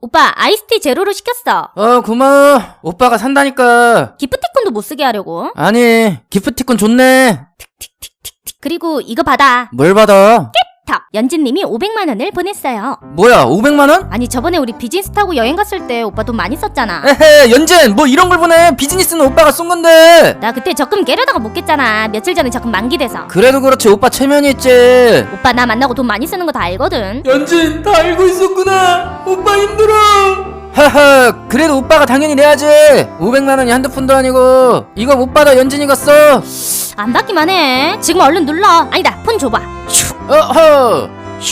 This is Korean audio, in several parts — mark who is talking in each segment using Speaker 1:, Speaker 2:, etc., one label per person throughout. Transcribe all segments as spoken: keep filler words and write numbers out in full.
Speaker 1: 오빠 아이스티 제로로 시켰어.
Speaker 2: 어 고마워. 오빠가 산다니까.
Speaker 1: 기프티콘도 못 쓰게 하려고.
Speaker 2: 아니 기프티콘 좋네.
Speaker 1: 그리고 이거 받아.
Speaker 2: 뭘 받아?
Speaker 1: 탁! 연진님이 오백만 원을 보냈어요.
Speaker 2: 뭐야 오백만 원?
Speaker 1: 아니 저번에 우리 비즈니스 타고 여행 갔을 때 오빠 돈 많이 썼잖아.
Speaker 2: 에헤 연진 뭐 이런 걸 보내. 비즈니스는 오빠가 쏜 건데.
Speaker 1: 나 그때 적금 깨려다가 못 깼잖아. 며칠 전에 적금 만기돼서.
Speaker 2: 그래도 그렇지 오빠 체면이 있지.
Speaker 1: 오빠 나 만나고 돈 많이 쓰는 거 다 알거든.
Speaker 2: 연진 다 알고 있었구나. 오빠 힘들어. 하하 그래도 오빠가 당연히 내야지. 오백만 원이 한두 푼도 아니고. 이거 못 받아 연진이가 써.
Speaker 1: 안 받기만 해. 지금 얼른 눌러. 아니다 폰 줘봐.
Speaker 2: 어허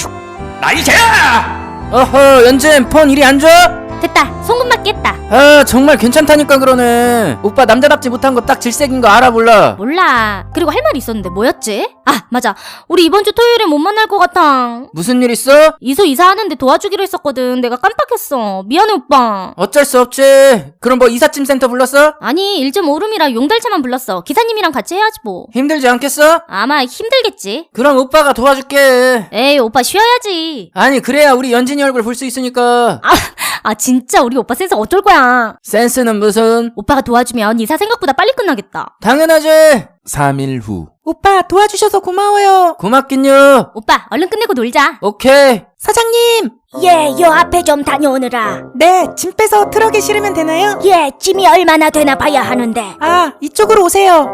Speaker 2: 나이샤야. 어허 연진 폰 이리 안 줘?
Speaker 1: 됐다. 송금 받겠다.
Speaker 2: 아 정말 괜찮다니까 그러네. 오빠 남자답지 못한 거 딱 질색인 거 알아 몰라?
Speaker 1: 몰라. 그리고 할 말이 있었는데 뭐였지? 아 맞아. 우리 이번 주 토요일에 못 만날 것 같아.
Speaker 2: 무슨 일 있어?
Speaker 1: 이소 이사하는데 도와주기로 했었거든. 내가 깜빡했어. 미안해 오빠.
Speaker 2: 어쩔 수 없지. 그럼 뭐 이삿짐 센터 불렀어?
Speaker 1: 아니 일 점 오름이라 용달차만 불렀어. 기사님이랑 같이 해야지 뭐.
Speaker 2: 힘들지 않겠어?
Speaker 1: 아마 힘들겠지.
Speaker 2: 그럼 오빠가 도와줄게.
Speaker 1: 에이 오빠 쉬어야지.
Speaker 2: 아니 그래야 우리 연진이 얼굴 볼 수 있으니까.
Speaker 1: 아, 아 진짜 우리 오빠 센스 어쩔 거야.
Speaker 2: 센스는 무슨?
Speaker 1: 오빠가 도와주면 이사 생각보다 빨리 끝나겠다.
Speaker 2: 당연하지. 삼 일 후.
Speaker 3: 오빠 도와주셔서 고마워요.
Speaker 2: 고맙긴요.
Speaker 1: 오빠 얼른 끝내고 놀자.
Speaker 2: 오케이.
Speaker 3: 사장님.
Speaker 1: 예, 요 앞에 좀 다녀오느라.
Speaker 3: 네, 짐 빼서 트럭에 실으면 되나요?
Speaker 1: 예, 짐이 얼마나 되나 봐야 하는데.
Speaker 3: 아, 이쪽으로 오세요.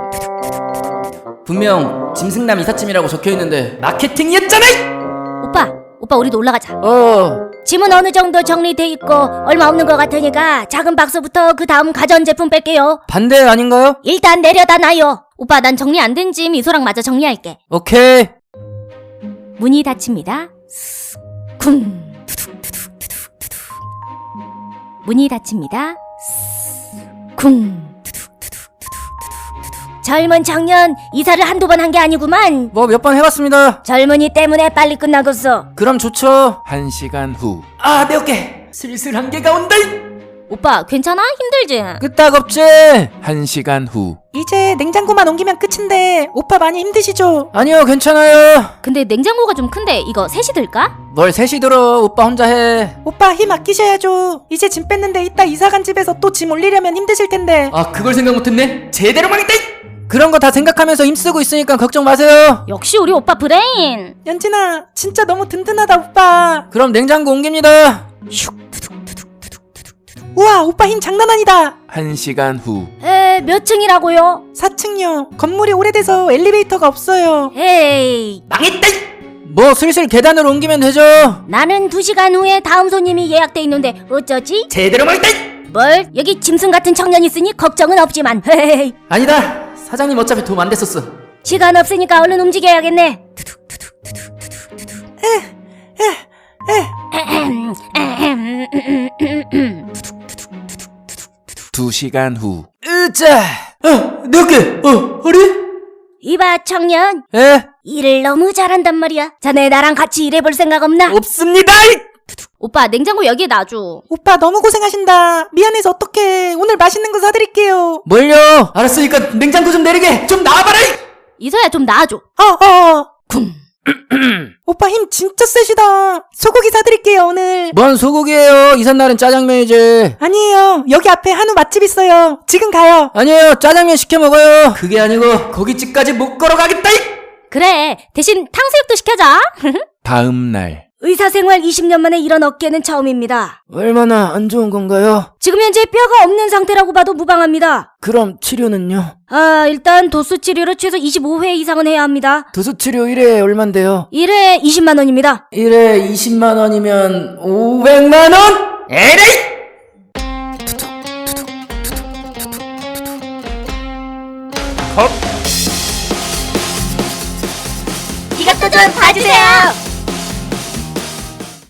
Speaker 2: 분명 짐승남 이삿짐이라고 적혀있는데 마케팅이었잖아.
Speaker 1: 오빠, 오빠 우리도 올라가자.
Speaker 2: 어
Speaker 1: 짐은 어느 정도 정리돼 있고 얼마 없는 것 같으니까 작은 박스부터 그 다음 가전제품 뺄게요.
Speaker 2: 반대 아닌가요?
Speaker 1: 일단 내려다 놔요. 오빠 난 정리 안 된 짐 이소랑 마저 정리할게.
Speaker 2: 오케이.
Speaker 1: 문이 닫힙니다. 쿵. 투둑투둑투둑투둑. 문이 닫힙니다. 쿵. 투둑투둑투둑투둑. 젊은 청년 이사를 한두 번 한 게 아니구만.
Speaker 2: 뭐 몇 번 해봤습니다.
Speaker 1: 젊은이 때문에 빨리 끝나겠어.
Speaker 2: 그럼 좋죠. 한 시간 후. 아 내 어깨 슬슬 한계가 온다.
Speaker 1: 오빠 괜찮아? 힘들지?
Speaker 2: 끄떡없지. 한 시간 후.
Speaker 3: 이제 냉장고만 옮기면 끝인데 오빠 많이 힘드시죠?
Speaker 2: 아니요 괜찮아요.
Speaker 1: 근데 냉장고가 좀 큰데 이거 셋이 들까?
Speaker 2: 뭘 셋이 들어. 오빠 혼자 해.
Speaker 3: 오빠 힘 아끼셔야죠. 이제 짐 뺐는데 이따 이사 간 집에서 또 짐 올리려면 힘드실 텐데.
Speaker 2: 아 그걸 생각 못했네. 제대로 망했다. 그런 거 다 생각하면서 힘쓰고 있으니까 걱정 마세요.
Speaker 1: 역시 우리 오빠 브레인.
Speaker 3: 연진아, 진짜 너무 든든하다 오빠.
Speaker 2: 그럼 냉장고 옮깁니다.
Speaker 3: 우와, 오빠 힘 장난 아니다.
Speaker 2: 한 시간 후.
Speaker 1: 에, 몇 층이라고요?
Speaker 3: 사 층요. 건물이 오래돼서 엘리베이터가 없어요.
Speaker 1: 에이,
Speaker 2: 망했다. 뭐 슬슬 계단으로 옮기면 되죠.
Speaker 1: 나는 두 시간 후에 다음 손님이 예약돼 있는데 어쩌지?
Speaker 2: 제대로 망했다.
Speaker 1: 뭘? 여기 짐승 같은 청년 있으니 걱정은 없지만 헤헤이.
Speaker 2: 아니다. 사장님 어차피 도움 안 됐었어.
Speaker 1: 시간 없으니까 얼른 움직여야겠네.
Speaker 2: 두 시간 후. 으짜. 어, 내 어깨. 어, 허리?
Speaker 1: 이봐 청년,
Speaker 2: 에?
Speaker 1: 일을 너무 잘한단 말이야. 자네 나랑 같이 일해볼 생각 없나?
Speaker 2: 없습니다.
Speaker 1: 오빠 냉장고 여기에 놔줘.
Speaker 3: 오빠 너무 고생하신다. 미안해서 어떡해. 오늘 맛있는 거 사드릴게요.
Speaker 2: 뭘요? 알았으니까 냉장고 좀 내리게. 좀 나와봐라.
Speaker 1: 이소야 좀 놔줘.
Speaker 3: 어, 어.
Speaker 1: 쿵.
Speaker 3: 오빠 힘 진짜 세시다. 소고기 사드릴게요 오늘.
Speaker 2: 뭔 소고기예요? 이삿날은 짜장면이지.
Speaker 3: 아니에요. 여기 앞에 한우 맛집 있어요. 지금 가요.
Speaker 2: 아니에요. 짜장면 시켜 먹어요. 그게 아니고 거기 집까지 못 걸어가겠다.
Speaker 1: 그래 대신 탕수육도 시켜자.
Speaker 2: 다음 날.
Speaker 1: 의사생활 이십 년 만에 이런 어깨는 처음입니다.
Speaker 2: 얼마나 안 좋은 건가요?
Speaker 1: 지금 현재 뼈가 없는 상태라고 봐도 무방합니다.
Speaker 2: 그럼 치료는요?
Speaker 1: 아 일단 도수 치료를 최소 이십오 회 이상은 해야 합니다.
Speaker 2: 도수 치료 일 회에 얼만데요?
Speaker 1: 일 회 이십만 원입니다.
Speaker 2: 일 회 이십만 원이면 오백만 원? 에레이!
Speaker 1: 이것도 좀 봐주세요.